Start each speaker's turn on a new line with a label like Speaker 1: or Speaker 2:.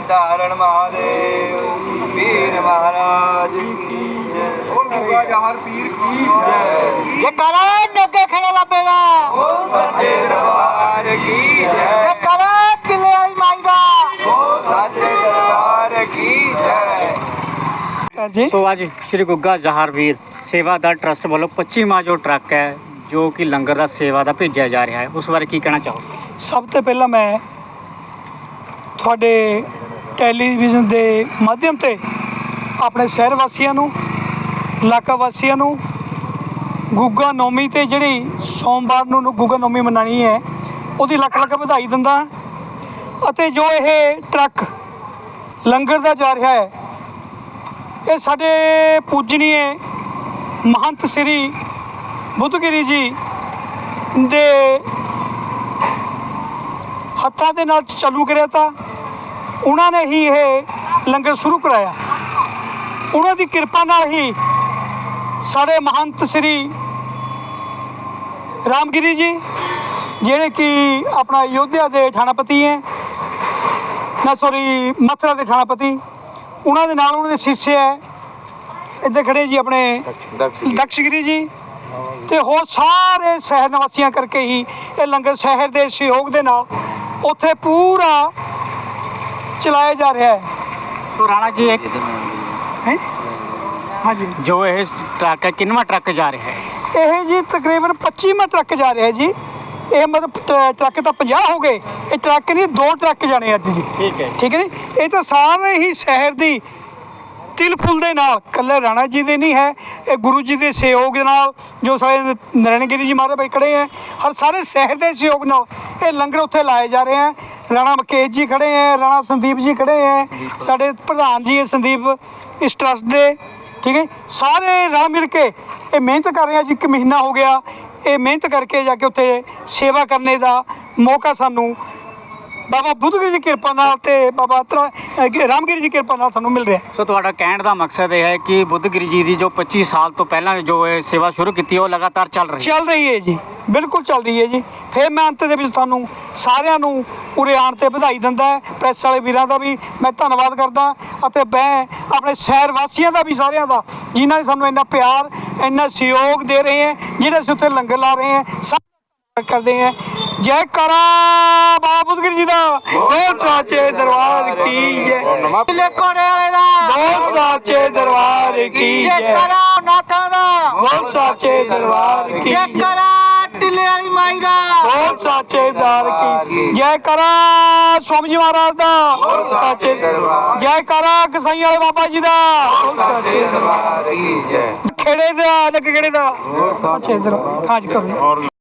Speaker 1: धारण महादेव वीर महाराज की जय।
Speaker 2: और गुगा जहर पीर की जय।
Speaker 3: जयकारा नगे खड़े बाबे दा,
Speaker 1: ओ सच्चे दरबार की जय।
Speaker 3: जयकारा किले वाली माई दा,
Speaker 1: ओ सच्चे दरबार की जय।
Speaker 3: जी
Speaker 4: ਸੋ ਅੱਜ ਸ਼੍ਰੀ ਗੁੱਗਾ ਜਹਾਰਵੀਰ ਸੇਵਾਦਾਰ ਟਰਸਟ ਵੱਲੋਂ 25ਵਾਂ ਜੋ ਟਰੱਕ ਹੈ ਜੋ ਕਿ ਲੰਗਰ ਦਾ ਸੇਵਾ ਦਾ ਭੇਜਿਆ ਜਾ ਰਿਹਾ ਹੈ, ਉਸ ਬਾਰੇ ਕੀ ਕਹਿਣਾ ਚਾਹੋ?
Speaker 5: ਸਭ ਤੋਂ ਪਹਿਲਾਂ ਮੈਂ ਤੁਹਾਡੇ ਟੈਲੀਵਿਜ਼ਨ ਦੇ ਮਾਧਿਅਮ ਤੇ ਆਪਣੇ ਸ਼ਹਿਰ ਵਾਸੀਆਂ ਨੂੰ, ਇਲਾਕਾ ਵਾਸੀਆਂ ਨੂੰ ਗੁੱਗਾ ਨੌਮੀ ਤੇ ਜਿਹੜੀ ਸੋਮਵਾਰ ਨੂੰ ਗੁੱਗਾ ਨੌਮੀ ਮਨਾਉਣੀ ਹੈ ਉਹਦੀ ਲੱਖ ਲੱਖ ਵਧਾਈ ਦਿੰਦਾ ਅਤੇ ਜੋ ਇਹ ਟਰੱਕ ਲੰਗਰ ਦਾ ਜਾ ਰਿਹਾ ਹੈ ਇਹ ਸਾਡੇ ਪੂਜਨੀਏ ਮਹੰਤ ਸ੍ਰੀ ਬੁੱਧਗਿਰੀ ਜੀ ਦੇ ਹੱਥਾਂ ਦੇ ਨਾਲ ਚਾਲੂ ਕਰਿਆ ਤਾਂ ਉਹਨਾਂ ਨੇ ਹੀ ਇਹ ਲੰਗਰ ਸ਼ੁਰੂ ਕਰਾਇਆ। ਉਹਨਾਂ ਦੀ ਕਿਰਪਾ ਨਾਲ ਹੀ ਸਾਡੇ ਮਹੰਤ ਸ੍ਰੀ ਰਾਮਗਿਰੀ ਜੀ ਜਿਹੜੇ ਕਿ ਆਪਣਾ ਅਯੋਧਿਆ ਦੇ ਥਾਣਾਪਤੀ ਹੈ ਮਥੁਰਾ ਦੇ ਥਾਣਾਪਤੀ, ਉਹਨਾਂ ਦੇ ਨਾਲ ਉਹਨਾਂ ਦੇ ਸਿੱਸ਼ੇ ਹੈ ਇੱਥੇ ਖੜੇ ਜੀ ਆਪਣੇ ਦਕਸ਼ਗਿਰੀ ਜੀ ਤੇ ਹੋਰ ਸਾਰੇ ਸ਼ਹਿਰ ਨਿਵਾਸੀਆਂ ਕਰਕੇ ਹੀ ਇਹ ਲੰਗਰ ਸ਼ਹਿਰ ਦੇ ਸਹਿਯੋਗ ਦੇ ਨਾਲ ਉੱਥੇ ਪੂਰਾ ਚਲਾਇਆ ਜਾ ਰਿਹਾ ਹੈ।
Speaker 4: ਸੋ ਰਾਣਾ ਜੀ ਇੱਕ
Speaker 5: ਹੈਂ ਹਾਂਜੀ
Speaker 4: ਜੋ ਇਹ ਟਰੱਕ ਹੈ ਕਿੰਨਵਾਂ ਟਰੱਕ ਜਾ ਰਿਹਾ ਹੈ?
Speaker 5: ਇਹ ਜੀ ਤਕਰੀਬਨ 25ਵਾਂ ਟਰੱਕ ਜਾ ਰਿਹਾ ਜੀ। ਇਹ ਮਤਲਬ ਟਰੱਕ ਤਾਂ 50 ਹੋ ਗਏ, ਇਹ ਟਰੱਕ ਨਹੀਂ 2 ਟਰੱਕ ਜਾਣੇ ਅੱਜ ਜੀ।
Speaker 4: ਠੀਕ ਹੈ
Speaker 5: ਠੀਕ ਹੈ ਜੀ। ਇਹ ਤਾਂ ਸਾਰੇ ਹੀ ਸ਼ਹਿਰ ਦੀ ਤਿਲ ਫੁੱਲ ਦੇ ਨਾਲ, ਇਕੱਲੇ ਰਾਣਾ ਜੀ ਦੇ ਨਹੀਂ ਹੈ, ਇਹ ਗੁਰੂ ਜੀ ਦੇ ਸਹਿਯੋਗ ਦੇ ਨਾਲ ਜੋ ਸਾਡੇ ਨਰੈਣਗਿਰੀ ਜੀ ਮਹਾਰਾਜ ਖੜੇ ਹੈ, ਹਰ ਸਾਰੇ ਸ਼ਹਿਰ ਦੇ ਸਹਿਯੋਗ ਨਾਲ ਇਹ ਲੰਗਰ ਉੱਥੇ ਲਾਏ ਜਾ ਰਹੇ ਹੈ। ਰਾਣਾ ਮਕੇਸ਼ ਜੀ ਖੜੇ ਹੈ, ਰਾਣਾ ਸੰਦੀਪ ਜੀ ਖੜੇ ਹੈ, ਸਾਡੇ ਪ੍ਰਧਾਨ ਜੀ ਹੈ ਸੰਦੀਪ ਇਸ ਟਰਸਟ ਦੇ। ਠੀਕ ਹੈ, ਸਾਰੇ ਰਲ ਮਿਲ ਕੇ ਇਹ ਮਿਹਨਤ ਕਰ ਰਹੇ ਆ ਜੀ। 1 ਮਹੀਨਾ ਹੋ ਗਿਆ ਇਹ ਮਿਹਨਤ ਕਰਕੇ ਜਾ ਕੇ ਉੱਥੇ ਸੇਵਾ ਕਰਨੇ ਦਾ ਮੌਕਾ ਸਾਨੂੰ ਬਾਬਾ ਬੁੱਧਗਿਰੀ ਦੀ ਕਿਰਪਾ ਨਾਲ ਤੇ ਬਾਬਾ ਰਾਮਗਿਰੀ ਦੀ ਕਿਰਪਾ ਨਾਲ ਸਾਨੂੰ ਮਿਲ ਰਿਹਾ।
Speaker 4: ਸੋ ਤੁਹਾਡਾ ਕਹਿਣ ਦਾ ਮਕਸਦ ਇਹ ਹੈ ਕਿ ਬੁੱਧਗਿਰੀ ਜੀ ਦੀ ਜੋ 25 ਸਾਲ ਤੋਂ ਪਹਿਲਾਂ ਜੋ ਇਹ ਸੇਵਾ ਸ਼ੁਰੂ ਕੀਤੀ ਉਹ ਲਗਾਤਾਰ ਚੱਲ ਰਹੀ
Speaker 5: ਹੈ ਜੀ, ਬਿਲਕੁਲ ਚੱਲ ਰਹੀ ਹੈ ਜੀ। ਫਿਰ ਮੈਂ ਅੰਤ ਦੇ ਵਿੱਚ ਤੁਹਾਨੂੰ ਸਾਰਿਆਂ ਨੂੰ ਉਰੇ ਆਉਣ 'ਤੇ ਵਧਾਈ ਦਿੰਦਾ, ਪ੍ਰੈਸ ਵਾਲੇ ਵੀਰਾਂ ਦਾ ਵੀ ਮੈਂ ਧੰਨਵਾਦ ਕਰਦਾ ਅਤੇ ਮੈਂ ਆਪਣੇ ਸ਼ਹਿਰ ਵਾਸੀਆਂ ਦਾ ਵੀ, ਸਾਰਿਆਂ ਦਾ, ਜਿਨ੍ਹਾਂ ਨੇ ਸਾਨੂੰ ਇੰਨਾ ਪਿਆਰ ਇੰਨਾ ਸਹਿਯੋਗ ਦੇ ਰਹੇ ਹੈ, ਜਿਹੜੇ ਅਸੀਂ ਉੱਥੇ ਲੰਗਰ ਲਾ ਰਹੇ ਹੈ, ਸਭ ਕਰਦੇ हैं। जय करा बाबा बुद्धगिरी जी दा, बोल साचे दरबार की जय।
Speaker 3: कोड़े वाले दा,
Speaker 5: बोल साचे दरबार की जय।
Speaker 3: जयकारा नाथा दा,
Speaker 5: बोल साचे दरबार की जय।
Speaker 3: जयकारा टिल्ले वाली माई दा,
Speaker 5: बोल साचे दरबार की जय। करा स्वामी जी महाराज दा, बोल साचे दरबार। जय करा कसाई वाले बाबा जी दा, बोल साचे दरबार की जय। खेड़े दा खेड़े दा साचे दरबार खाज करो।